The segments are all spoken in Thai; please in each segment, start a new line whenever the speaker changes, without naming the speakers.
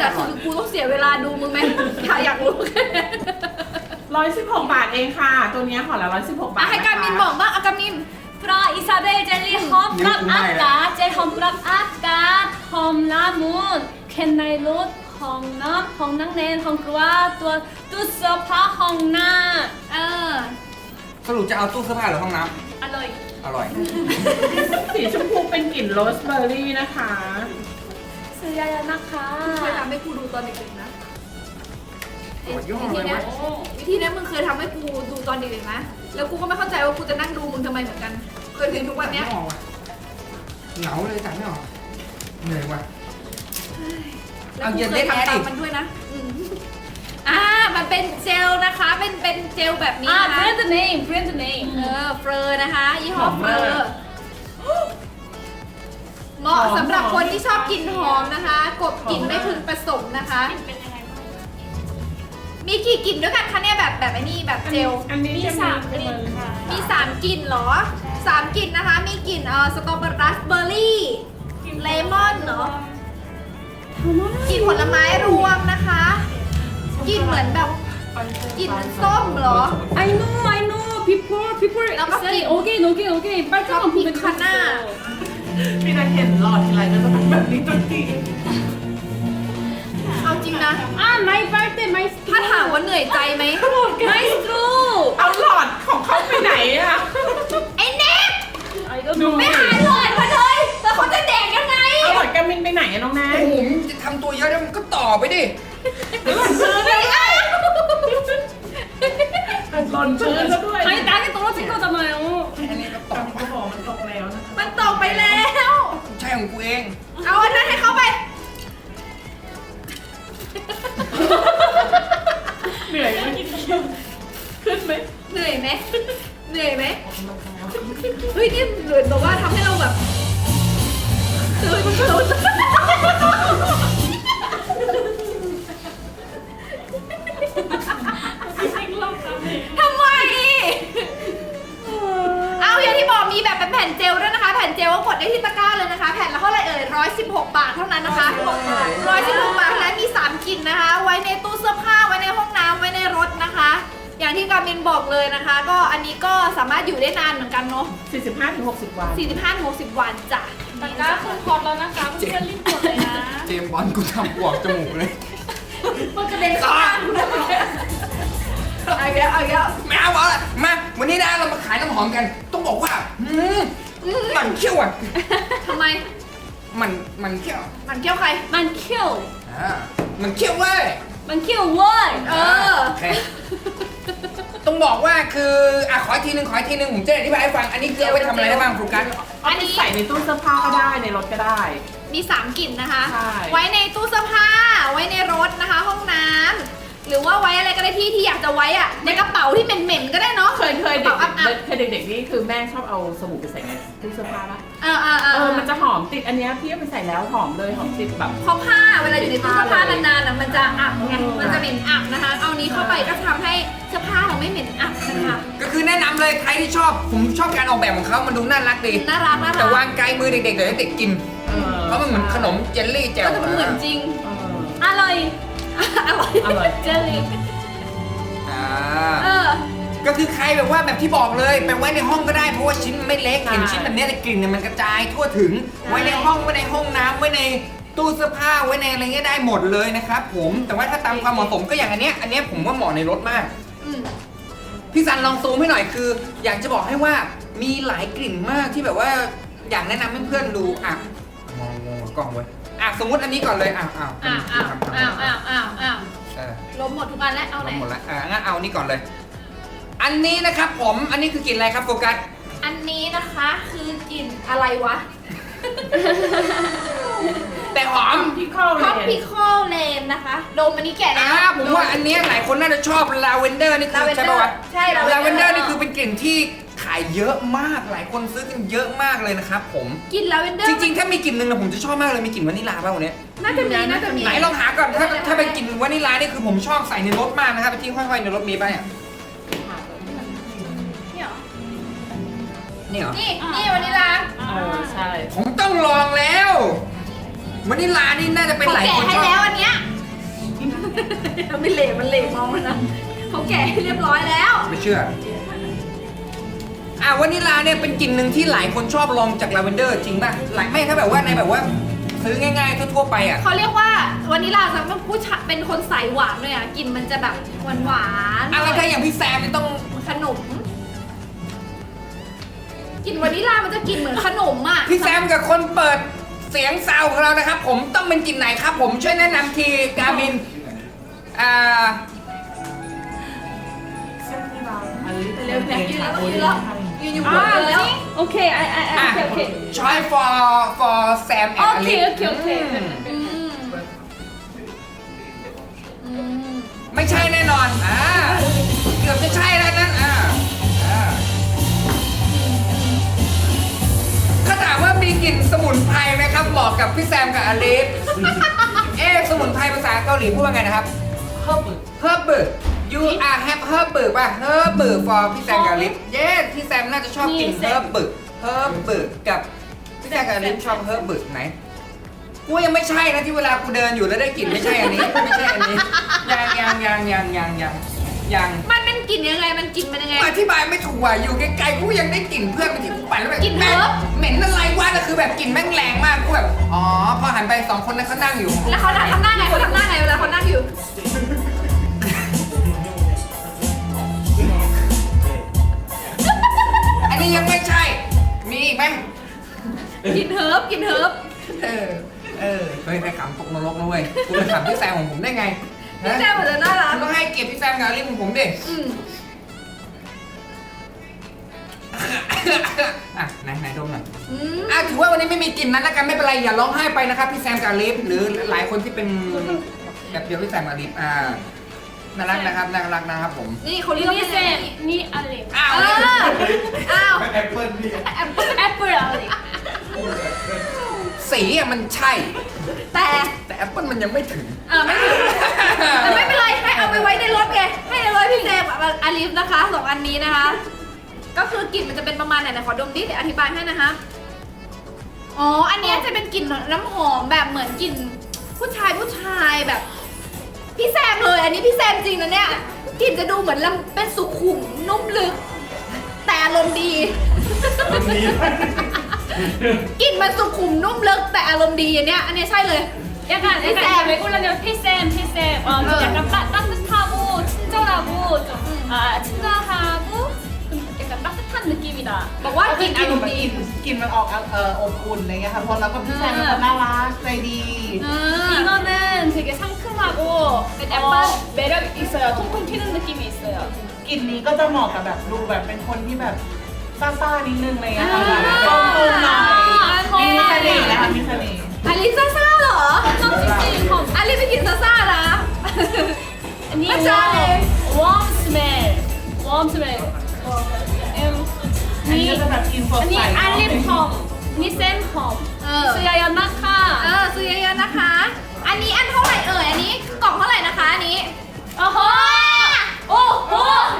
แต่คือกูต้องเสียเวลาดูมึงไหมอยากรู้แค่
116 บาทเองค่ะ ตัวเนี้ยห่อละ116 บาท
ให้การมินบอกบ้างอาการมิน
프라 이사벨 젤리 험프랍 아까 젤 험프랍 아까 험라문 캔나이 롯 험남 험낭넨 험그와 또 뚜서파 험나
เออ
สรุปจะเอาตู้เสื้อผ้าหรือห้องน้
อร่อย
ำอร่อย
สีชมพูเป็นกลิ่นโรสเบอร์รี่นะคะ
ซื้อยานะคะ
เคยทำให้กูดูตอนเด็กๆนะ
โอ้ยย่อ
วิ
เล
ธี
ย
เนี้
วะ
ยวิธีเนี้ยมึงเคยทำให้กูดูตอนเด็กๆนะ แล้วกูก็ไม่เข้าใจว่ากูจะนั่งดูมึงทำไมเหมือนกัน เคยถึงทุกวันเนี้ย
ไม่ออกว่ะเหงาเลยจัดไม่ออกเหนื่อยว่ะ
แล้วกูเคยทำตามมันด้วยนะมันเป็นเจลนะคะ เป็นเจลแบบนี้
아
นะคะ
브랜드 네임 브랜드 네임
เฟอร์นะคะ ยี่ห้อเฟอร์เหมาะสำหรับคนที่ชอบกลิ่นหอมนะคะ กบกลิ่นไม่พึงผสมนะคะ
เป็นยังไงบ้าง
มีกี่กลิ่นด้วยกันคะเนี่ยแบบไอ้นี่แบบเจล
อันนี้
มี
จะ
สามกลิ่นค่ะ
มี 3 กลิ่นเหรอ 3 กลิ่นนะคะ มีกลิ่นสตรอเบอร์ราสเบอร์รี่ เลมอนเนาะ กลิ่นผลไม้รวมนะคะ กลิ่นเหมือนแบบ กลิ่นส้มเหรอ
I know before
แล้วก็
say again 빨간 거 보면
하나.
พี่นัทเห็นหลอดทีไรก็จะเป็นแบบนี้ทุกที
เอาจริงนะ
아 my 빨대 my
ถ้าถามว่าเหนื่อยใจไหม
my straw
เอาหลอดของเขาไปไหนอะ
ไอ้เน็ก
I don't
ดู
know
ไม่หาหลอดมาเลยแล้วเขาจะแดกยังไง
เอาหลอดกามินไปไหนอะน้องแนน
โอ้โหมึงจะทำตัวเยอะแล้วมึงก็ต่อไปดิ
ไม่เอา
หล่นพื้นแล้วด้วย
아니 땅에 떨어진 거잖아요
อันนี้ก็ต่อ
กามินก็บอกมันตกแล้วนะ
มันตกไปแล้ว
ใช่ของกูเอง
เอาอันนั้นให้เขาไป
เหนื่อยไหมขึ้นไหม
เหนื่อยไหมเหนื่อยไหมเฮ้ยนี่เหมือนแบบว่าทำให้เราแบบตื่นทำไม เอาอย่างที่บอกมีแบบเป็นแผ่นเจลด้วยนะคะ แผ่นเจลก็กดได้ที่ตะกร้าเลยนะคะ แผ่นละเท่าไหร่เอ่ย116 บาทเท่านั้นนะคะ116 บาทและมี 3 กลิ่นนะคะ ไว้ในตู้เสื้อผ้า ไว้ในห้องน้ำไว้ในรถนะคะ อย่างที่การมินบอกเลยนะคะ ก็อันนี้ก็สามารถอยู่ได้นานเหมือนกันเนาะ
45-60 วัน
45-60 วันจ้ะ
ตะกร้าคือพอแล้วนะคะเพื่อนรีบกดเลยนะ
เจมส์บอลกูทำปวกจมูกเลย
มันกระเด็นเข้าข้างเอาอีกแล้วเอาอีกแล้ว
ไม่เอาละมา วันนี้นะเรามาขายน้ำหอมกัน ต้องบอกว่ามันเขี้ยวอ่ะ
ทำไม
มันเขี้ยว
มันเกี่ยวใคร
มันเคี่ยว
มันเขี้ยวเว้ย
มันเคี่ยวเว้ย
เออ
โอเคต้องบอกว่าคือขออีกทีหนึงผมจะอธิบายให้ฟัง อันนี้คือเอาไว้ทำอะไรได้บ้างครูกัส
อันนี้ใส่ในตู้เสื้อผ้าก็ได้ในรถก็ได้
มี 3 กลิ่นนะคะ
ใช่
ไว้ในตู้เสื้อผ้า ไว้ในรถนะคะ ห้องน้ำหรือว่าไว้อะไรก็ได้ที่อยากจะไว้อะในกระเป๋าที่เหม็นๆก็ได้เนาะ
เคย
กระ
เด็ก
เป๋าอับ
เคยเด็กๆนี่คือแม่ชอบเอาสบู่ไปใส่ในตู้เสื้อผ้าปะ
ๆ
มันจะหอมติดอันเนี้ยพี่เอาไปใส่แล้วหอมเลยหอมติดแบบ
เพราะผ้าเวลาอยู่ในตู้เสื้อผ้านานๆอะมันจะอับไง มันจะเหม็นอับนะคะ เอานี้เข้าไปก็ทำให้เสื้อผ้าเราไม่เหม็นอับนะคะ
ก็คือแนะนำเลยใครที่ชอบ ผมชอบการออกแบบของเขามันดูน่ารักดี
น่ารักนะคะ
แต่วางไกลมือเด็กๆเดี๋ยวเด็กกิน เพราะมันเหมือนขนมเจลลี่แจ่ว
ก็จะเหมือนจริง
อร่อย
อร่อย
อร่อย
เจลลี่
เออ
ก็คือใครแบบว่าแบบที่บอกเลยไปไว้ในห้องก็ได้เพราะว่าชิ้นมันไม่เล็กเห็นชิ้นแบบเนี้ยแต่กลิ่นเนี่ยมันกระจายทั่วถึง ไว้ในห้องไว้ในห้องน้ำไว้ในตู้เสื้อผ้าไว้ในอะไรเงี้ยได้หมดเลยนะครับผมแต่ว่าถ้าตามความเหมาะสมก็อย่างอันเนี้ยผมว่าเหมาะในรถมาก
อืม
พี่ซันลองซูมให้หน่อยคือ อยากจะบอกให้ว่ามีหลายกลิ่นมากที่แบบว่าอยากแนะนำให้เพื่อนดูมองกล้องไว้สมมติอันนี้ก่อนเลย
อ้าวล้มหมดทุกอันแล้ว เอาไหน
หมดละงั้นเอานี่ก่อนเลย อันนี้นะครับผมอันนี้คือกลิ่นอะไรครับโฟกัส
อันนี้นะคะคือกลิ่นอะไรวะ
แต่หอม
พี่เข้าเล
Tropical Lane นะคะ ดมอันนี้แก่แล้ว
ผมว่าอันเนี้ยหลายคนน่าจะชอบลาเวนเดอร์นี่คือ
Lavender
ใช่ป่าวะ
ใช่
ลาเวนเดอ
Lavender
ร์นี่คือเป็นกลิ่นที่ขายเยอะมากหลายคนซื้อกันเยอะมากเลยนะครับผม
กลิ่นลาเวนเดอร์
จริงๆ ถ้ามีกลิ่นหนึ่งนะผมจะชอบมากเลยมีกลิ่นวานิลลาป่ะวันนี้
น่าจะมี
ไหนลองหาก่อนถ้าเป็นกลิ่นวานิลลานี่คือผมชอบใส่ในรถมากนะครับไปที่ห้อยๆในรถมีป่ะเนี่ย
นี่เหรอ
นี่เหรอ
นี่วานิลลา
ใช่
ผมต้องลองแล้ววานิลลานี่น่าจะเป็น
เขา
หลาย
แกะ
คน
ให้
ชอบ
แล้วอันเนี้ยไม่เหลวมันเหลวมองมันนะเขาแกะให้เรียบร้อยแล้ว
ไม่เชื่อวานิลาเนี่ยเป็นกลิ่นหนึ่งที่หลายคนชอบลองจากลาเวนเดอร์จริงป่ะหลายไม่ถ้าแบบว่าในแบบว่าซื้อง่ายๆทั่วๆไปอ่ะ
เขาเรียกว่าวานิลาสำหรับผู้ชายเป็นคนใส่หวานเลยอ่ะกลิ่นมันจะแบบหวานๆ
แล้วถ้าอย่างพี่แซมนี่ต้อง
ขนมกลิ่นวานิลามันจะกลิ่นเหมือนขนมอ่ะ
พี่แซมกับคนเปิดเสียงซาวของเรานะครับผมต้องเป็นกลิ่นไหนครับผมช่วยแนะนำทีกามิน
เร็วแพ็คยืนแล้วยืนแล้วยืนอยู่บนแล้ว
Okay, okay.
try for Sam and
Okay,
Alice
okay.
ไม่ใช่แน่นอนเกือบจะใช่แล้วนั่นถ้าถามว่ามีกลิ่นสมุนไพรไหมครับเหมาะกับพี่แซมกับอลิฟ สมุนไพรภาษาเกาหลีพูดว่าไงนะครับ herb you are have herb ป่ะ herb for พี่แซมกับอลิฟพี่แซมน่าจะชอบกลิ่น herb กับพี่แซมกับอลิฟชอบ herb ไหนกูยังไม่ใช่นะที่เวลากูเดินอยู่แล้วได้กลิ่นไม่ใช่อันนี้ไม่ใช่อันนี้ยัง
มันเป็นกลิ่นยังไงมันกลิ่นเป็นยังไง
อธิบายไม่ถูกว่ะอยู่ไกลๆกูยังได้กลิ่นเพื่อนมันที่กูไปแล้วแบบ
กลิ่น
แม่ง
herb
เหม็นอะไรวะแต่คือแบบกลิ่นแม่งแรงมากกูแบบอ๋อพอหันไป2คนนั้นเขานั่งอยู่
แล้วเขาทำหน้าไงเขาทำหน้าไงเวลาเขานั่งอยู่
อันนี้ยังไม่ใช่ มีอีกไหม
กลิ่นเฮิร์บกลิ่นเฮิร์บ
เฮ้ยไปขำตกนรกนะเว้ยกูไปขำพี่แซมของผมได้ไง
พี่แซมเหมือนจะน่ารัก
คุณต้องให้เกียรติพี่แซมกับอลิฟของผมดิ ไหนดมหน่อยถือว่าวันนี้ไม่มีกลิ่นนั้นแล้วกันไม่เป็นไรอย่าร้องไห้ไปนะครับพี่แซมกับอลิฟหรือหลายคนที่เป็นแบบเดียวพี่แซมกับอลิฟน่ารักนะครับผม
นี่เขาเรียกว่า
นี่
อะไร
เซมนี่อลิฟ
อ้าว
แอปเปิ้ลพี่
แอปเปิลอลิฟ
สีมันใช่
แต่
แต่แอปเปิลมันยังไม่ถึง
ไม่ถึงแต่ไม่เป็นไรให้เอาไปไว้ในรถไงให้ในรถพี่แซมกับอลิฟนะคะ2อันนี้นะคะ ก็คือกลิ่นมันจะเป็นประมาณไหนขอดมดิเดี๋ยวอธิบายให้นะคะอ๋ออันนี้จะเป็นกลิ่นน้ำหอมแบบเหมือนกลิ่นผู้ชายแบบพี่แซมเลยอันนี้พี่แซมจริงนะเนี่ยกลิ่นจะดูเหมือนเป็นสุขุมนุ่มลึก แต่อารมณ์ดี กลิ่นมันสุขุมนุ่มลึกแต่อารมณ์ดีอันเนี้ยใช่เลย
약간 외국인은 피쌤 약간 따뜻하고 친절하고 좀 친절하고 약간 따뜻한 느낌이다.
บอกว่ากลิ่นอารมณ์ดี
กลิ่นมันออกอบอุ่นอะไรเงี้ยค่ะเพราะเราก็พี่แซมเป็นคนน่ารักใจดี
이거는 되게 상큼하고 약간 매력 있어요. 통통 튀는 느낌이 있어요.
กลิ่นนี้ก็จะเหมาะกับแบบดูแบบเป็นคนที่แบบซ่าๆนิดนึงอะไรเงี้ยค่ะแบบตรงๆหน่อยมีเสน่ห์นะคะมีเสน่ห์
อลิซซ่าเหรอ
홈.
อลิไปกินซ่านะ
아니
맞아.
웜 스멜.
อันนี้ก็จะแบบกลิ่นสด
아니
ใส
알립 홈. 니 쌤 홈. สุยายานะคะ
ซื้อเยอะๆนะคะ อันนี้อันเท่าไหร่เอ่ยอันนี้กล่องเท่าไหร่นะคะอันนี้
โอ้โหโอ้โห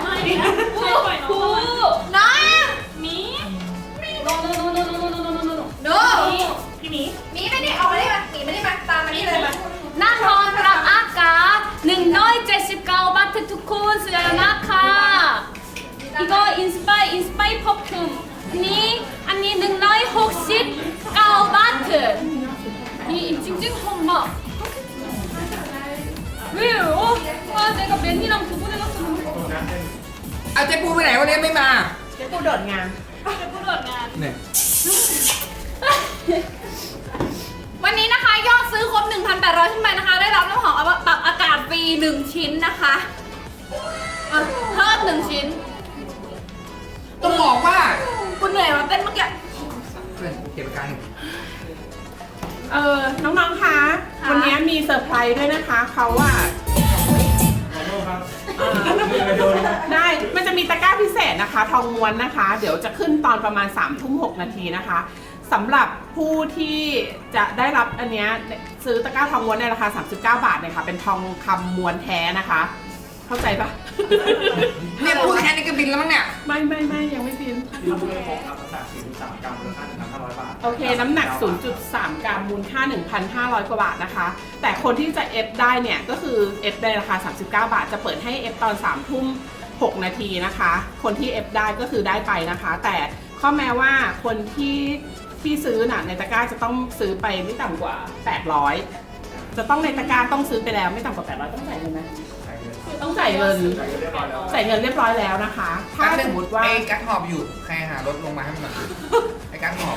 น้อง
มีโนโน
ดู
พี่หมี
มีไม่ได้เอามาได้มาหนีไม่ได้มาตามมานี่เลยมา
นั่นทองกรับอากาศ179 บาททุกคนสุดยอดนะคะอีกอินสไปพอคุมนี่อันนี้169 บาทนี่จริงๆหอมมาก왜요? 아 내가 맨이랑 두 번 해놨었는데
เอาเจ๊ปูไปไหนวันนี้ไม่มา
เจ๊ปูโดดงาน
เนี่ย
วันนี้นะคะยอดซื้อครบ 1,800 ขึ้นไปนะคะ ได้รับน้ำหอมปรับอากาศฟรี1ชิ้นนะคะเพิ่ม1ชิ้น
ต้องบอกว่า
คุณเหนื่อยมาเต้นเมื่อกี้
เพื่อนเก็บการ
น้องๆคะวันนี้มีเซอร์ไพรส์ด้วยนะคะเขาได้มันจะมีตะกร้าพิเศษนะคะทองม้วนนะคะเดี๋ยวจะขึ้นตอนประมาณ3:06 นาทีนะคะสำหรับผู้ที่จะได้รับอันเนี้ยซื้อตะกร้าทองม้วนในราคา39 บาทเนี่ยค่ะเป็นทองคำม้วนแท้นะคะพเข้าใจปะ
เนี่ยพูดแค่นี้ก็บินแล้วมั้งเนี่ย
ไม่ยังไม่บิน
ที่เราไม่พบน้ำหนัก 4.3 กรัมมูลค่า 1,500 บาท
โอเค น้ำหนัก 0.3 กรัมมูลค่า 1,500 กว่าบาทนะคะ แต่คนที่จะเอฟได้เนี่ย ก็คือเอฟในราคา 39 บาท จะเปิดให้เอฟตอน 3 ทุ่ม 6 นาทีนะคะ คนที่เอฟได้ก็คือได้ไปนะคะ แต่ข้อแม้ว่าคนที่ซื้อน่ะในตะกร้าจะต้องซื้อไปไม่ต่ำกว่า 800 จะต้องในตะกร้าต้องซื้อไปแล้วไม่ต่ำกว่า 800 ต้องจ่ายเงินไหมต้องจ่ายเงิน จ่ายเงินเรียบร้อยแล้วนะคะ ถ้าสมมติว่า
ไอ้กัดหอบอยู่ใครหารถลงมาให้มันหน่อยไอ้กัดหอบ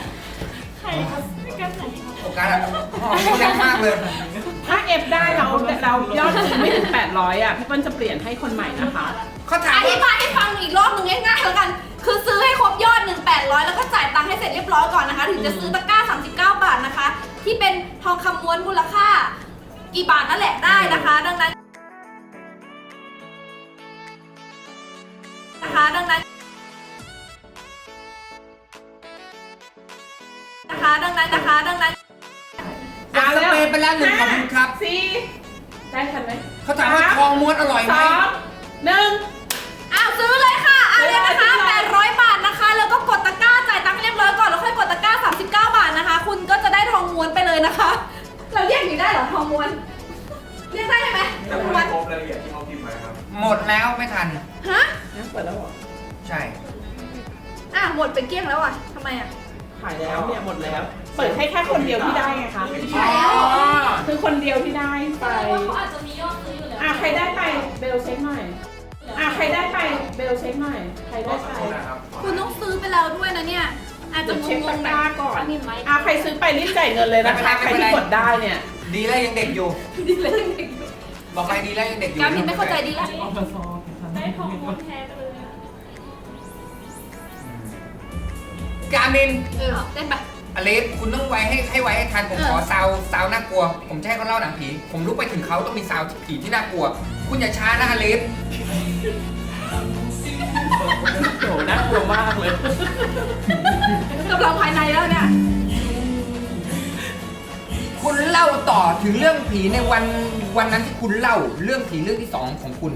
โอ้กัดอะหอบนี่แรงมากเลย
ถ้าเอฟได้เรายอดถึงไม่ถึง 800 อ่ะ พี่เปิ้ลจะเปลี่ยนให้คนใหม่นะคะ
เขาถา
อ
ม
ธิ
ว่า
บายให้ฟังอีกรอบหนึงง่ายๆแล้วกัน คือซื้อให้ครบยอด 1,800 แล้วก็จ่ายตังค์ให้เสร็จเรียบร้อยก่อนนะคะ ถึงจะซื้อตะกร้า 39 บาทนะคะ ที่เป็นทองคำม้วนมูลค่า กี่บาทนั่นแหละได้นะคะ ดังนั้นดังนั้น
สเปรย์ไปแล้วหนึ่งขอบคุณครับ
สี่ได้ทันไหม
เขาถามว่าทองม้วนอร่อยไหม
2 1
อ้าวซื้อเลยค่ะเอาเลยนะคะ800 บาทนะคะ แล้วก็กดตะกร้าจ่ายตังค์เรียบร้อยก่อนแล้วค่อยกดตะกร้า 39 บาทนะคะ คุณก็จะได้ทองม้วนไปเลยนะคะ เราเรียกอย่างนี้ได้เหรอทองม้วน เรียกได้ไหม
แต่
ม้ว
ไม่
น
พบรายละเอียดที่เขาพิมพ์ไว้ครับ
หมดแล้วไม่ทัน
ฮะ
เปิดแล้วเหรอ
ใช่
หมดเป็นเกลี้ยงแล้วอ่ะทำไมอ่ะ
ขายแล้วเนี่ยหมดแล้ว เปิดให้แค่คนเดียวที่ได้ไงคะ
ขายแล้ว
คือคนเดียวที่ได้ไป
ว่าเขาอาจจะมียอดซื้ออยู่แล้ว
ใครได้ไปเบลเช็คหน่อยใครได้ไปเบลเช็คหน่อย ใครได้ไป
คุณต้องซื้อไปแล้วด้วยนะเนี่ย อาจจะ
เดี๋ยวเช็ค
ง
ตะ
งๆ
ก
แบ
ร้า
บ
ก่อน
มีไหม
ใครซื้อไปรีบจ่ายเงินเลยนะคะ ใครที่กดได้เนี่ย
ดีแล้วยังเด็กอยู่
ดีเลยเด็ก
บอกไปดีแล้วยังเด็กอยู่
กามินไม่เข้าใจดีแล้ว
ได้ทองม้วนแท้ไปเลย
กามิน
เต้นไป
อเล็กคุณต้องไว้ให้ไว้ให้ทันผมขอซาวน่ากลัว ผมจะให้เขาเล่าหนังผี ผมรู้ไปถึงเขาต้องมีซาวผีที่น่ากลัว คุณอย่าช้านะอเล็ก
โหน่ากลัวมากเลย
กำลังภายในแล้วเนี่ย
คุณเล่าต่อถึงเรื่องผีในวันนั้นที่คุณเล่าเรื่องผีเรื่องที่สองของคุณ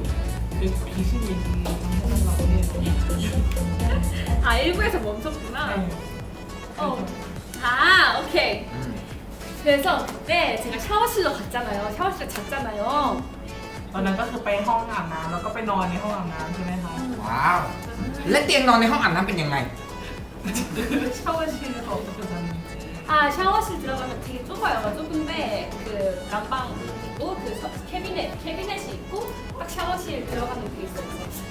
1부에서 멈췄구나. 오케이. 그래서 그때 제가 샤워실로 갔잖아요. 샤워실에 잤잖아요.
ตอนนั้นก็คือไปห้องอาบน้ำแล้วก็ไปนอนในห้องอาบน้ำใช่ไหมคะ
ว้าว และเตียงนอนในห้องอาบน้ำเป็นยังไง
샤워실에서 어떻게 잤는지
샤워실 들어가면 되게 좁아요. 좁은데 그 난방 있고 그 캐비넷이 있고 딱 샤워실 들어가는 게 있어요.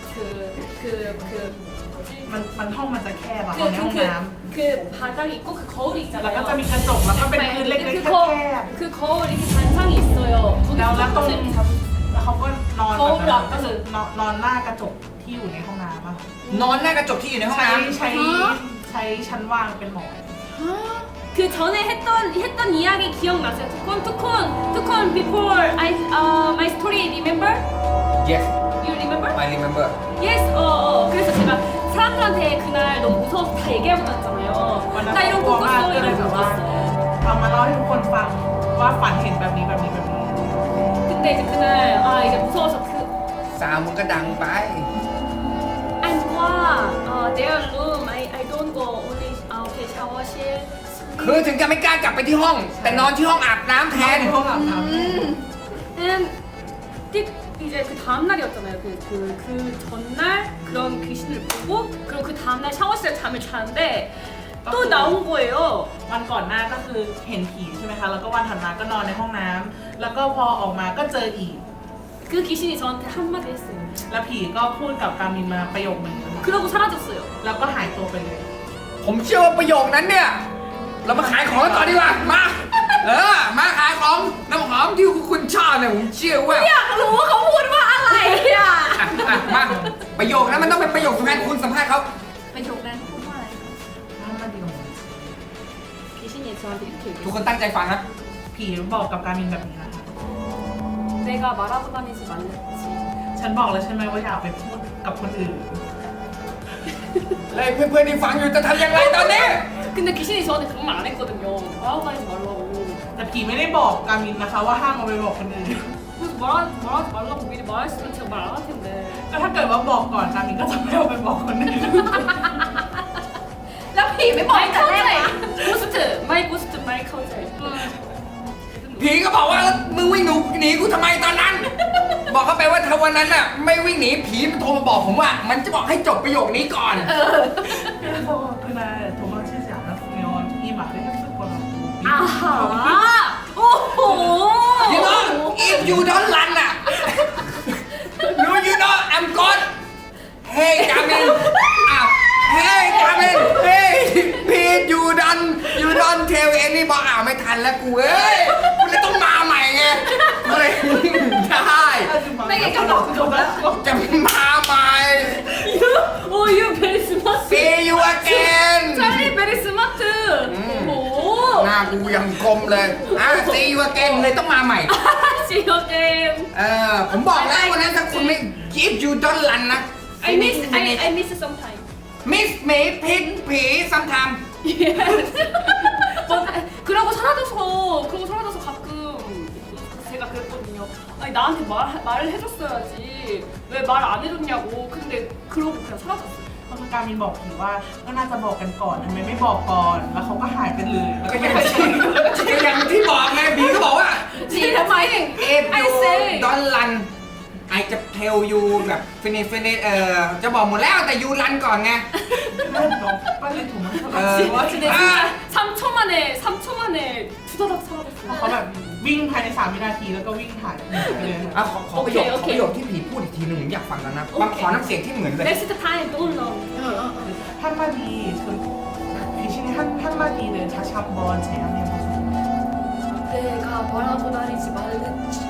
뭐지?
มันห้องมันจะแคบอะห้องในห้องน้
그 바닥이 있고 그 거울이
ำแล้วก็
있잖아요.
จะมีกระจกแล้วก็เป็นพื้นเล็กๆแคบ
그 거울 이렇게 반상이 있어요.
ๆแล้วตรง
거기
แล้วเขาก็นอน
거울
แบบนั้นก็
앞에서
คือนอนหน้ากระจกที่อยู่ในห้องน้ำอะ
นอนหน้ากระจกที่อยู่ในห้องน้ำ
ใช้ชั้นวางเป็นหมอน
그 전에 했던 이야기 기억나세요? 투콘 before my story remember?
yes
You remember?
I remember
Yes. 그래서 제가 사람들한테 그날 너무 무서워서 다 얘기하고 다녔잖아요.
วันนั้น
나 이런
กลัว
꿈
มาก
꿨어
ก็เลย
이런
แบบ
꿈
ว่า
꿨어.
เอามาเล่าให้ทุกคนฟังว่าฝันเห็นแบบนี้
근데 이제 그날 이제 무서워서 그
สาวมึงก็ดังไป
I'm their room. I don't go only okay 샤워실.
คือถึงจะไม่กล้ากลับไปที่ห้อง แต่นอนที่ห้องอาบน้ำแทน
ในห้องอาบน้ำ
이제 그 다음 날이었잖아요. 그 전날 그런 귀신을 보고 그리고 그 다음 날 샤워실에 잠을 자는데 또 나온 거예요.
วันก่อนหน้าก็คือเห็นผีใช่ไหมคะแล้วก็วันถัดมาก็นอนในห้องน้ำแล้วก็พอออกมาก็เจออีก
그 귀신이 저한테 한마디 했어요.
แล้วผีก็พูดกับกามินมาประโยคนึงนะคะ
그러고 사라졌어요.
แล้วก็หายตัวไปเลย
ผมเชื่อว่าประโยคนั้นเนี่ย เรามาขายของกันต่อดีกว่า มา มาขายของน้ำหอมที่คุณชอบเนี่ยผมเชื่อว่า
อยากรู้ว่าเขาพูดว่าอะไรอ่ะ
มาประโยคนั้นมันต้องเป็นประโยคสำคัญคุณสัมภาษณ์เขา
ประโยคนั้นพูดว่าอะไร
귀신이 저한테 이렇게
ทุก
얘기했어요.
คนตั้งใจฟังนะ
ผีบอกกับกามินแบบนี้นะคะ
내가 말하고 다니지 말랬지.
ฉันบอกแล้วใช่ไหมว่าอย่าไปพูดกับคนอื่น
เลยเพื่อนๆที่ฟังอยู่จะทำยังไงตอนนี้
근데 귀신이 저한테 그런 말 안 했거든요. 말하고 다니지 말라고.
แต่ผีไม่ได้บอกกามินนะคะว่าห้ามเอาไปบอกคนอื่น
그래서 말하지 말라고 미리 말했으면 제가 말 안 할 텐데.
ก็ถ้าเกิดว่าบอกก่อนการมินก็จะไม่เอาไปบอกคนอื่น
แล้วผีไม่บอก
마이
แต่แรก
카우제.
นะ
마이 고스트 마이 카우제.
ผีก็บอกว่ามึงวิ่งหนีกูทำไมตอนนั้น บอกเขาไปว่าถ้าวันนั้นน่ะไม่วิ่งหนีผีมันโทรมาบอกผมว่า มันจะบอกให้จบประโยคนี้ก่อน
그래서 그날 도망치지 않았으면 이 말을 했을 거라고.
아하. 오호.
You know if you don't run อ่ะ no you know I'm gone Hey Gamin อ้าว Hey Gamin Hey please you don't tell anybody อ้าวไม่ทันแล้วกูเอ้ยกูเลยต้องมาใหม่ไงกูเลยได้
ไม่งั้นก็บอกจบแล้ว
จะมาใหม่
오, you very smart.
See you again
찰리 very smart. 오.
หน้ากูยังกลมเลยSee you again เลยต้องมาใหม่
See you again.
ผมบอกแล้ววันนั้นถ้าคุณไม่ if you don't run นะ
I miss sometime.
miss me พิษผี sometime
그러고 사라져서 가끔 제가 그랬거든요. 아니 나한테 말을 해줬어야지. 왜 말 안 해줬냐고. 근데 그러고 그냥 사라졌어요.
เพราะการมินบอกผีว่าก็น่าจะบอกกันก่อนทำไมไม่บอกก่อน แล้วเขาก็หายไปเลยแล้ว
ก็
ก็
ยัง
ไม่ใช่
ที่บอกไงผีก็บอกว่า
ผีทำไม
if
I
you
say
don't run I จะ tell you แบบ finish จะบอกหมดแล้วแต่ you run ก่อนไง
빨리 도망쳐.
와 근데 진짜 3초 만에 두다닥 사라졌어요.
เขาแบบวิ่งภายใน3 วินาทีแล้วก็วิ่งหายไปเลย
ขอประโยคที่ผีพูดอีกทีหนึ่งผมอยากฟังแล้วนะบางขอน้ำเสียงที่เหมือนเลย
Next time don't know.
한마디 귀신이 한마디를 다시 한번 제안해보세요.
내가 뭐라고 다니지 말랬지.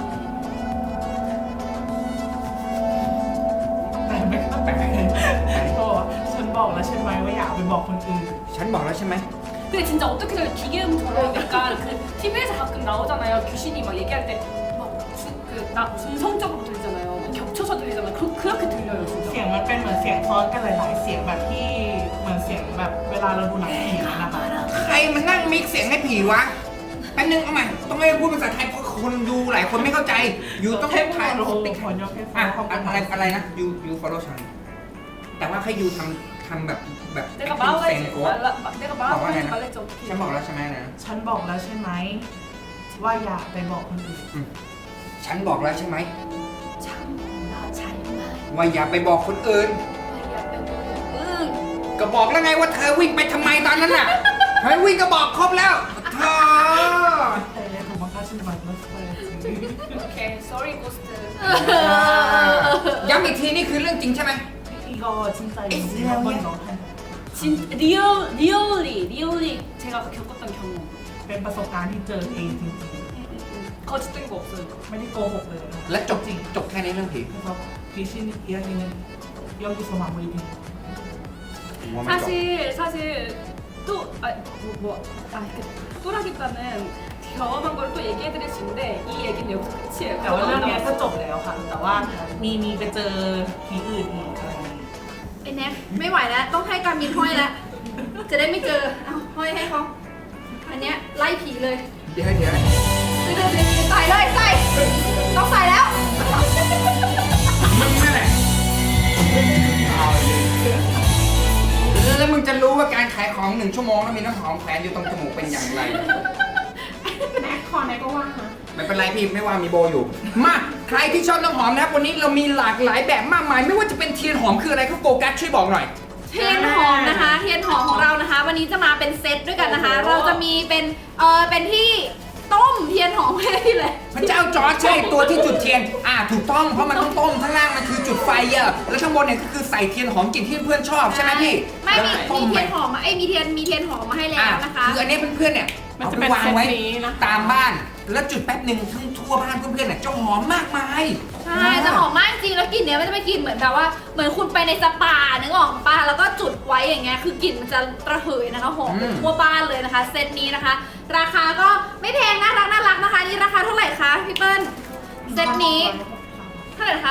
แต่ไม่ก็แปลกเขาบอกว่าฉันบอกแล้วใช่ไหมว่าอย่าไปบอกคนอื่น
ฉันบอกแล้วใช่ไหม
근데 진짜 어떻게 저래 기계음처럼 약간 그 TV에서 가끔 나오잖아요. 귀신이 막 얘기할 때 막 중성적으로 들리잖아요. 겹쳐서 들리잖아요. 그렇게 들려요
เสีย
진짜.
งมันเป็นเหมือนเสียงซ้อนกันหลายๆเสียงแบบที่เหมือนเสียงแบบเวลาเราดูหนังผีนะคะ
ใครมันนั่งมิกเสียงให้ผีวะแป๊บนึงเอาใหม่ต้องให้พูดภาษาไทยเพราะคนดูหลายคนไม่เข้าใจอยู่ต้องให้ถ่าย
โอ้โห
ติ๊ก
ขอยกให้ฟั
อะ
งเขาเป็น
อะไรนะ you follow ฉันแต่ว่าให้ยูทำแบบ
내가
acting
말하지
stand up
내가 말하지
말하지
말랬지
ฉัน
어떻게.
บอกแล้วใช่ไหมนะ
ฉันบอกแล้วใช่ไหมว่าอย่าไปบอกคนอื่น
ฉันบอกแล้วใช่ไหม
참나 잘만.
ว่าอย่าไปบอกคนอื่น
응.
ก็บอกแล้วไงว่าเธอวิ่งไปทำไมตอนนั้นน่ะเธอวิ่งก็บอกครบแล้วเธอ
แต่ถูกบังคับฉันมาแล้วใช่
오케이. Sorry ghost.
ย้ำอีกทีนี่คือเรื่องจริงใช่ไหม
이거 진짜 인생 한번 넣어한
진 리얼리 제가 겪었던 경험.
เป็นประสบการณ์ที่เจอเองจริง
거짓된 거 없어요.
ๆ ไม่ได้โกหกเลยนะ
และจบแค่นี้เรื่องผี
그래서 귀신 이야기는 여기서 마무리됩니다.
사실 또라기과는 경험한 걸 또 얘기해드릴 수 있는데 이 얘기는 여기서 끝이에요.
แต่ว่าเรื่องเนี้ยก็จบแล้วค่ะ แต่ว่ามีไปเจอผีอื่นอีกอะไรอย่างงี้
ไอ้แน็กไม่ไหวแล้วต้องให้การมินห้อยแล้ว จะได้ไม่เจอเอาห้อยให้เขาอันเนี้ยไล่ผีเลย
เดี๋ยว
ใส่เลยใส่ต้องใส่แล้ว
มึงนั่นแหละแล้วมึงจะรู้ว่าการขายของ1 ชั่วโมงแล้วมีน้ำหอมแขวนอยู่ตรงจมูกเป็นอย่างไร
แน็กคอแน็กก็ว่างนะ
ไม่เป็นไรพี่ไม่ว่ามีโบอยู่ มาใครที่ชอบน้ำหอมนะครับวันนี้เรามีหลากหลายแบบมากมาย ไม่ว่าจะเป็นเทียนหอมคืออะไรครับโฟกัสช่วยบอกหน่อย
เทียนหอมนะคะ เทียนหอมของเรานะคะ วันนี้จะมาเป็นเซตด้วยกันนะคะ เราจะมีเป็นที่ต้มเทียนหอมให้เลย
พระเจ้าจอร์จใช่ตัวที่จุดเทียนถูกต้องเพราะมันต้องต้มข้างล่างมันคือจุดไฟแล้วข้างบนเนี่ยก็คือใส่เทียนหอมกลิ่นที่เพื่อนชอบใช่ไหมพี่
ไม่มี
แล้วต้
เที
ไป
ยนหอมมามีเทียนหอมมาให้แล้วนะคะ
คืออันนี้เพื่อนๆเนี่ย
มัน
เอา
จะ
ไป
เป็น
วาง
เซต
ไว้
นี้นะคะ
ตามบ้าน แล้วจุดแป๊บหนึ่งทั้งทั่วบ้านเพื่อนๆเนี่ยจะหอมมากมาย
ใช่จะหอมมากจริงแล้วกลิ่นเนี้ยมันจะไม่กลิ่นเหมือนแบบว่าเหมือนคุณไปในสปานึกออกปะแล้วก็จุดไว้อย่างเงี้ยคือกลิ่นมันจะระเหยนะคะหอมไปทั่วบ้านเลยนะคะเซตนี้นะคะ ราคาก็ไม่แพงน่ารักนะคะนี่ราคาเท่าไหร่คะพี่เปิ้ลเซตนี้เท่าไหร่คะ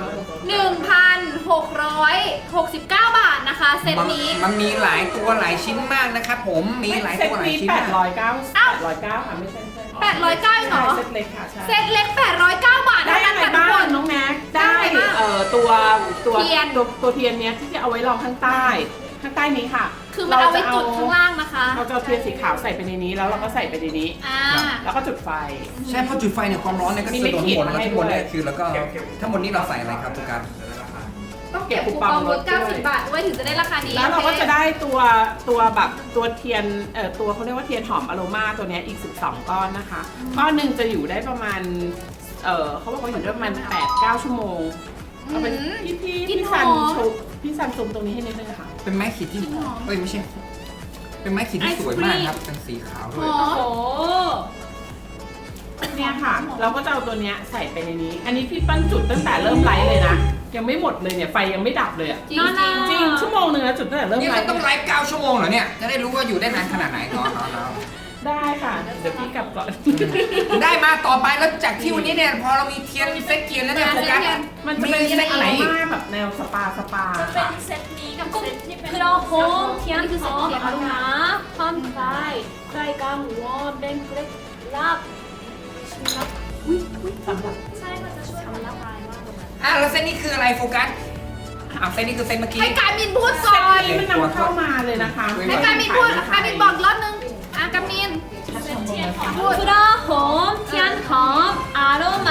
1,669 บาทนะคะเซตนี้
มันมีหลายตัวหลายชิ้นมากนะครับผมมีหลาย
เซ
ตั
ต
วหลาย
นี้
ชิ้นมาก
809ค่ะไม่ใช่
809เหรอ
เซตเล็กค่ะใช่
เซตเล็ก809 บาท
ได้
เท่า
อะ
นั้น
ไร
ค่ะทุก
บ้า
ค
ง
น
น้องแม็ก
ได้
ได้
อะไรบ้าง
ตัว
เทียน
ตัวเทียนเนี้ยที่จะเอาไว้รองข้างใต้นี้ค่ะ
คือมันเอาไว้จุดข้างล่างนะคะ
เราจะเอาเทียนสีขาวใส่ไปในนี้แล้วเราก็ใส่ไปในนี้
อ่า
แล้วก็จุดไฟ
ใช่เพราะจุดไฟเนี่ยความร้อนเนี่ยก็
มี
สะ
ไม่
ท้อน
ขีด
หมดแล้ว
ให้
ทั้งหมดเนี่ย
ด้วย
คือแล้วก็ทั้งหมดนี้เราใส่อะไรครับทุกการ
ต้องเก็บคูปองลด90 บาทด้วยถึงจะได้ราคานี้
แล้วเราก็
โอค
จะได้ตัวแบบตัวเทียนตัวเขาเรียกว่าเทียนหอมอโรมาตัวเนี้ยอีก12 ก้อนนะคะก้อนหนึ่งจะอยู่ได้ประมาณเขาบอกว่าอยู่ได้ประมาณ8-9 ชั่วโมงเอาเป็นพี่ซันชุบพี่ซันซูมตรงนี้ให้นิดนึงค่ะ
เป็นไม้ขีดที่เอ้ยไม่ใช่ เป็นไม้ขีดที่สวยมากครับเป็นสีขาวด้วย
อ๋อ
โอ้
เนี่ยค่ะ เราก็จะเอาตัวเนี้ยใส่ไปในนี้ อันนี้พี่ปั้นจุดตั้งแต่เริ่มไลฟ์เลยนะยังไม่หมดเลยเนี่ยไฟยังไม่ดับเลยอะ
จริงจริง
จริงชั่วโมงนึงนะจุดตั้งแต่เริ่ม
นี่
ไล
เรา
ฟ์
ต้องไลฟ์9 ชั่วโมงเหรอเนี่ย จะได้รู้ว่าอยู่ได้นานขนาดไหนเนาะ
ได้ค่ะเดี๋ยวพี่กลับก่อน
ได้มาต่อไปแล้วจากที่วันนี้เนี่ยพอเรามีเทียนมีเซตเทียนแล้วเนี่ยโฟกัส
มันจะเป็น
มีเซตไหนอีก
แบบแนวสปา
จะเป็
ค่ะ
นเซตนี้กับเซตที่เป็น그런홈 티안 홈 아로마 팜파이 프라이강 원 뱅크랙 랍 신랍 ใช่มันจะช่วยทำละลายมากเลย
แล้วเซตนี้คืออะไรโฟกัสเซตนี้คือเซตเมื่อกี้
ให้การมินพูดก่อน
นี่มันนำเข้ามาเลยนะคะ
ให้การมินพูดการมินบอกอีกรอบนึงการมินพูด
프라홈 티안 홈 아로마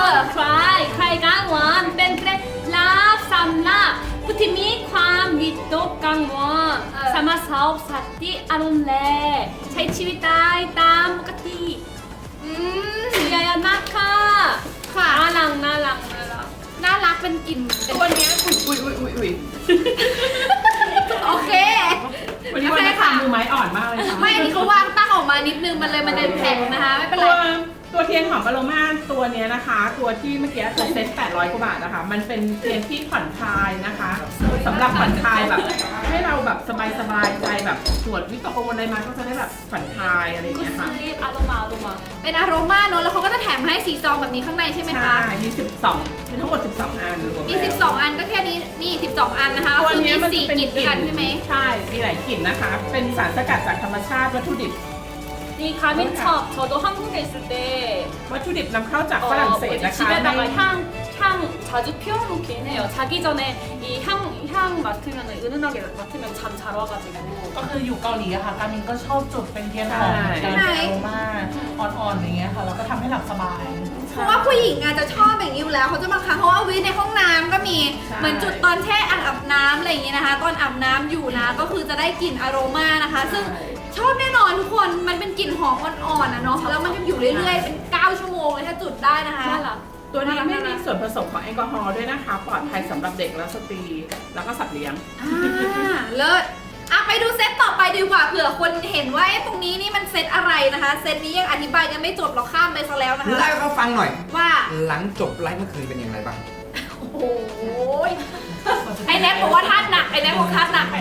프라이 프라이강 원 뱅크랙 랍 삼랍พุทธิมีความวิตกกังวลสามารถสอบสติอารมณ์แลใช้ชีวิตได้ตามปกติ
อืม
ยายานักค่ะ
ค่ะ
น่ารักน่ารักน่ารัก
น่ารักเป็นกลิ่น
ตัวเนี้ยอุ้ย
โอเค
วันนี้วันนี้ทำมือไม้อ่อนมากเลยค่ะ
ไม่อันนี้เขาวางตั้งออกมานิดนึงมันเลยมันเดินแผ่นนะคะไม่เป็นไร
ตัวเทียนหอมอโรมาตัวเนี้ยนะคะ ตัวที่เมื่อกี้ตัวเซ็ต800 กว่าบาทนะคะ มันเป็นเทียนที่ผ่อนคลายนะคะสำหรับผ่อนคลายแบบให้เราแบบสบายใจแบบสวดวิตกกังวลอะไรมาก็จะได้แบบผ่อนคลายอะไรอย่าง
กุ
เงี้ย
ส
ค่ะ
ลีปอารมณ์อารมณ์
เป็นอารมาเนอะแล้วเขาก็จะแถมให้สีซองแบบนี้ข้างในใช่ไหมคะ
ใช่มี12มีทั้งหมด12 อันรวม
มี
แล้ว
12 อันก็แค่นี้นี่12 อันนะคะ
ตัว
คือ
เนี้
มี
ยมัน
4
จะเป็น
กลิ่นด้วยกันใช่ไหม
ใช่ มีหลายกลิ่นนะคะ เป็นสารสกัดจากธรรมชาติวัตถุดิบ
이 가민첩 저도 한국에 있을 때
วัตถุดิบนำเข้าจากฝรั่งเศส
뭐지
นะคะ
집에다가 향 자주 피워놓긴 해요. 자기 전에 이 향 맡으면 은은하게 맡으면 잠 잘 와가지고
ก็คืออยู่เกาหลีอะค่ะ การมินก็ชอบจุดเป็นเทียนหอมเหมือนกันเป็นอโรมาอ่อนๆอย่างเงี้ยค่ะ แล้วก็ทำให้หลับสบาย
เพราะว่าผู้หญิงอาจจะชอบอย่างนี้อยู่แล้วเขาจะบางครั้งเขาเอาไว้ในห้องน้ำก็มี
ใช่
เหมือนจุดตอนแช่อ่างอาบน้ำอะไรอย่างนี้นะคะ ตอนอาบน้ำอยู่นะก็คือจะได้กลิ่นอโรมานะคะ ซึ่งชอบแน่นอนทุกคนมันเป็นกลิ่นหอมอ่อนๆนะเนาะแล้วมันจะอยู่เรื่อยๆเป็น9 ชั่วโมงเลยถ้าจุดได้นะคะ
น่ารัก
ตัวนี้ไม่มีส่วนผสมของแอลกอฮอล์ด้วยนะคะ ปลอดภัยสำหรับเด็กและสตรี แล้วก็สัตว์เลี้ยง
เลิศไปดูเซตต่อไปดีกว่าเผื่อคนเห็นว่าตรงนี้นี่มันเซตอะไรนะคะ เซตนี้ยังอธิบายกันไม่จบเราข้ามไปซะแล้วนะคะ
เล่าให้เขาฟังหน่อย
ว่า
หลังจบไลฟ์เมื่อคืนเป็นอย่างไรบ้าง
โอ้โหไอ้แน็กบอกว่าท่าหนักไอ้แน็กบอกท่าหนัก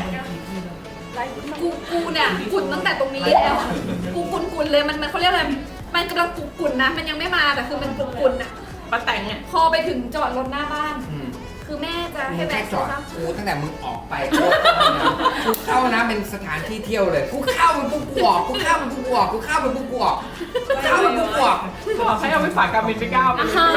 กูเนี่ยกุ่นตั้งแต่ตรงนี้แล้วอะกูกุ่นเลยมันเขาเรียกอะไรมันกำลังกุ่นนะมันยังไม่มาแต่คือมันกุ่นอะ
ป้าแตงเนี่ย
พอไปถึงจอดรถหน้าบ้าน คือแม่จะให้
แค่
แวะ
จอด
นะ
กูตั้งแต่มึงออกไปกูเข้านะเป็นสถานที่เที่ยวเลยกูเข้าเป็นกูกวอกกูเข้าเป็นกูกวอกกูเข้าเป็นกูกวอกกูเข้าเป็นกูกวอก
บอกให้เอาไปฝากการบินไปก้าวไป
아하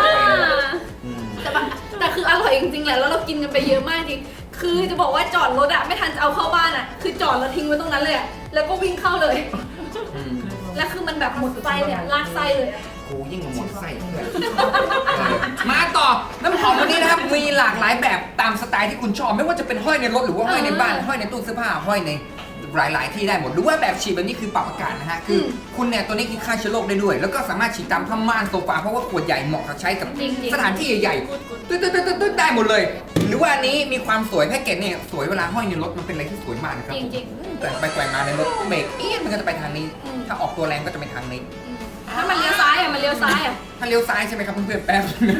แต่คืออร่อยจริงๆแหละแล้วเรากินกันไปเยอะมากจริงคือจะบอกว่าจอดรถอะไม่ทันจะเอาเข้าบ้านอะคือจอดแล้วทิ้งไว้ตรงนั้นเลยอะแล้วก็วิ่งเข้าเลย แล้วคือมันแบบหมดไส้เลยอะลากไส้เลยอะ
กูยิ่งกว่าหมดไส้เพื่อนมาต่อน้ำหอมวันนี้นะครับมีหลากหลายแบบตามสไตล์ที่คุณชอบไม่ว่าจะเป็นห้อยในรถหรือว่าห้อยในบ้านห้อยในตู้เสื้อผ้าห้อยในหลายๆที่ได้หมดหรือว่าแบบฉีดแบบนี้คือปรับอากาศนะฮะคือคุณเนี่ยตัวนี้คือฆ่าเชื้อโรคได้ด้วย แล้วก็สามารถฉีดตามผ้าม่านโซฟาเพราะว่าขวดใหญ่เหมาะกับใช้กับสถานที่ใหญ่ๆตึ๊ดได้หมดเลย หรือว่าอันนี้มีความสวยแพ็กเกจเนี่ยสวยเวลาห้อยในรถมันเป็นอะไรที่สวยมากนะครับ
จริง
แต่ไปแกว่งมาในรถเบรกมันก็จะไปทางนี้ ถ้าออกตัวแรงก็จะไปทางนี้
ๆถ้ามันเลี้ยวซ้ายอะมันเลี้ยวซ้ายอะ
ถ้าเลี้ยวซ้ายใช่ไหมครับเพื่อนๆแป๊บนึง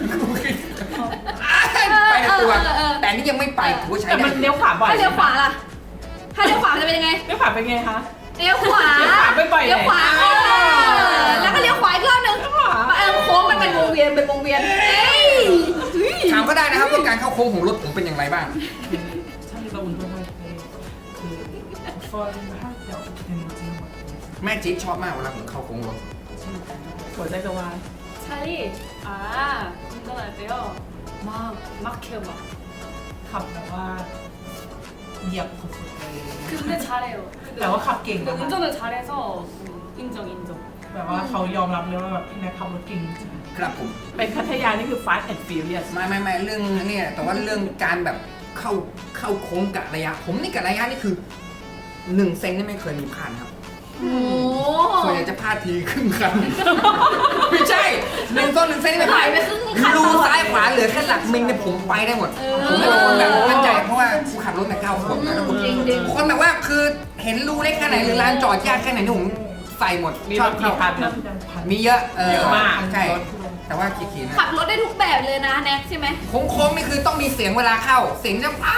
ไปในตัว แต่นี่ยังไม่ไปถือว่าใช้
แต่
ได้
มันเลี้ยวขวาบ่อย
ถ้าเลี้ยวขวาล่ะถ้าเลี้ยวขวาจะเป็นยังไง
เลี้ยวขวาเป็นไงคะ
เลี้ยวขวา
เลี้ยวขวาบ่อยๆ
เลี้ยวขวา
เลย
แล้วก็เลี้ยวขวาอีกรอบนึงโค้งมันเป็นวงเวียนเป็นวงเวียนเอ้ย
ถามก็ได้นะครับว่าการเข้าโค้งของรถผมเป็นอย่างไรบ้าง
자기가 운전할 때 그 굿펄 할 때 어떻게 되는지
แม่จี๊ดชอบมากเวลาผมเข้าโค้งรถ
หัวใจกระวาย
찰리 아 운전할 때요 막 막혀요 막
ขับแบบว่าเหยียบสุดๆเลย
근데 잘해요
แต่ว่าขับเก่ง
근데
นะคะ
운전을 잘해서 인정
แบบว่าเขายอมรับเลยว่าแบบพี่แน็กขับรถเก่งจริง
ครับผม
เป็นพัทยานี่คือ fast and furious
ไม่เรื่องเนี่ยแต่ว่าเรื่องการแบบเข้าโค้งกะระยะ ผมนี่กะระยะนี่คือ1 เซนนี่ไม่เคยมีพลาดครับ
โอ้
ส่วนใหญ่จะพลาดทีครึ่งคัน ไม่ใช่1 เซนนี่ไม่พลาด
ไปครึ่งคัน
รูซ้ายขวาเหลือแค่หลักมิลเนี่ยผมไปได้หมด ผมเป็นคนแบบมั่นใจเพราะว่ากูขับรถมา9 ขวบนะแล้วผม
จริงๆ
คนแบบว่าคือเห็นรูเล็กแค่ไหนหรือลานจอดยากแค่ไหนนี่ผมใส่หมด
มี
ช
ร
อบ
ถกี่คันนะ
มีเยอะ
เยอะมาก
ใช่ แต่ว่าขี่ๆนะ
ขับรถได้ทุกแบบเลยนะแน็กใช่ไหม
โค้งๆนี่คือต้องมีเสียงเวลาเข้า เสียงจะอ้าว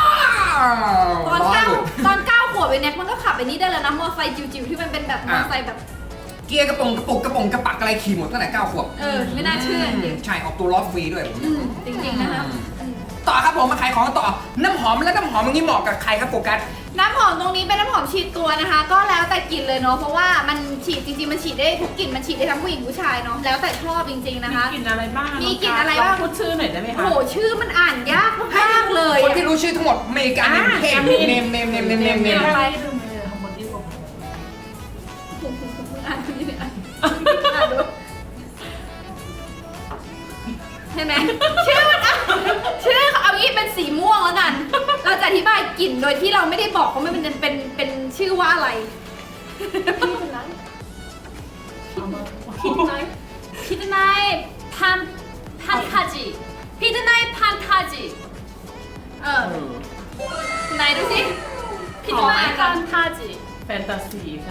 ตอน
ล้อ
เก้า
หลุด
ตอน9 ขวบไอ้แน็กมันก็ขับไอ้นี้ได้แล้วนะมอเตอร์ไซค์จิ๋วๆที่มันเป็นแบบมอเตอร์ไซค์แบบ
เกียร์กระป๋องกระปักอะไรขี่หมดตั้งแต่9 ขวบ
ไม่น่าเชื่อจริง
ใช่ออกตัวล้อฟรีด้วยผม
จริงๆนะคะ
ต่อครับผมมาขายของต่อ น้ำหอมและน้ำหอมอย่างนี้เหมาะกับใครครับโฟกัส
น้ำหอมตรงนี้เป็นน้ำหอมฉีดตัวนะคะ ก็แล้วแต่กลิ่นเลยเนาะเพราะว่ามันฉีดจริงๆมันฉีดได้ทุกกลิ่นมันฉีดได้ทั้งผู้หญิงผู้ชายเนาะแล้วแต่ชอบจริงๆนะคะ
มีกลิ่นอะไรบ้าง
มีกลิ่นอะไรบ้าง
ลพูดชื่อหน่อยได้ไหม
โอ้
คะ
โหชื่อมันอ่านยากมากๆเลย
คนที่รู้ชื่อทั้งหมดเมกาเนมเทมเนม
อะไร
ทำบนที่ผม
อ่านดูนี่อ่านดูใช่ไหมชื่อมันอ่ะชื่อเอางี้เป็นสีม่วงแล้วกัน เราจะอธิบายกลิ่นโดยที่เราไม่ได้บอกว่ามันเป็นชื่อว่าอะไร
피드나잇 피드나잇 판타지 피드나잇 판타지
เออไหนดูสิ
피드나잇 판타지
แฟนตาซีใช่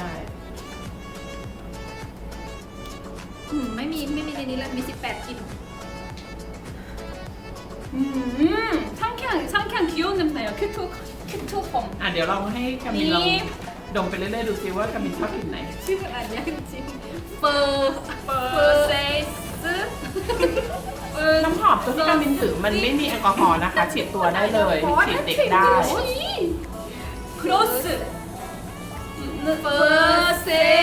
ไม่มีในนี้เลยมี18กลิ่น
상쾌한 귀여운 냄새예요 큐트 홈
อ่ะเดี๋ยวลองให้กามินลองดมไปเรื่อยๆดูซิว่ากามินชอบกลิ่นไหน
ชื่อมันอ่านยากจริงเฟอร์เซส
น้ำหอมตัวที่กามินถือมันไม่มีแอลกอฮอล์นะคะ ฉีดตัวได้เลยฉีดเด็กได้
크로스
เฟอร์เซส